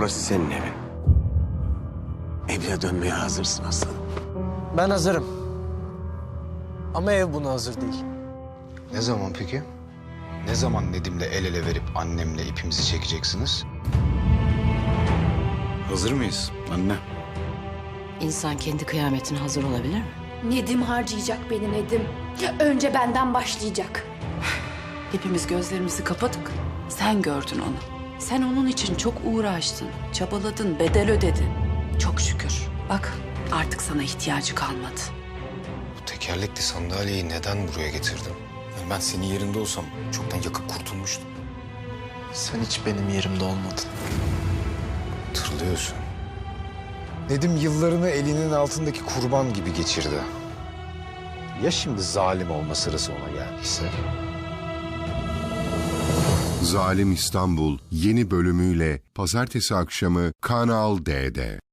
Burası senin evin. Evine dönmeye hazırsın aslanım. Ben hazırım. Ama ev buna hazır değil. Ne zaman peki? Ne zaman Nedim'le el ele verip annemle ipimizi çekeceksiniz? Hazır mıyız anne? İnsan kendi kıyametine hazır olabilir mi? Nedim harcayacak beni Nedim. Önce benden başlayacak. Hepimiz gözlerimizi kapadık. Sen gördün onu. Sen onun için çok uğraştın, çabaladın, bedel ödedin. Çok şükür. Bak artık sana ihtiyacı kalmadı. Bu tekerlekli sandalyeyi neden buraya getirdin? Yani ben senin yerinde olsam çoktan yakıp kurtulmuştum. Sen hiç benim yerimde olmadın. Hatırlıyorsun. Nedim yıllarını elinin altındaki kurban gibi geçirdi. Ya şimdi zalim olma sırası ona geldiyse? Zalim İstanbul yeni bölümüyle pazartesi akşamı Kanal D'de.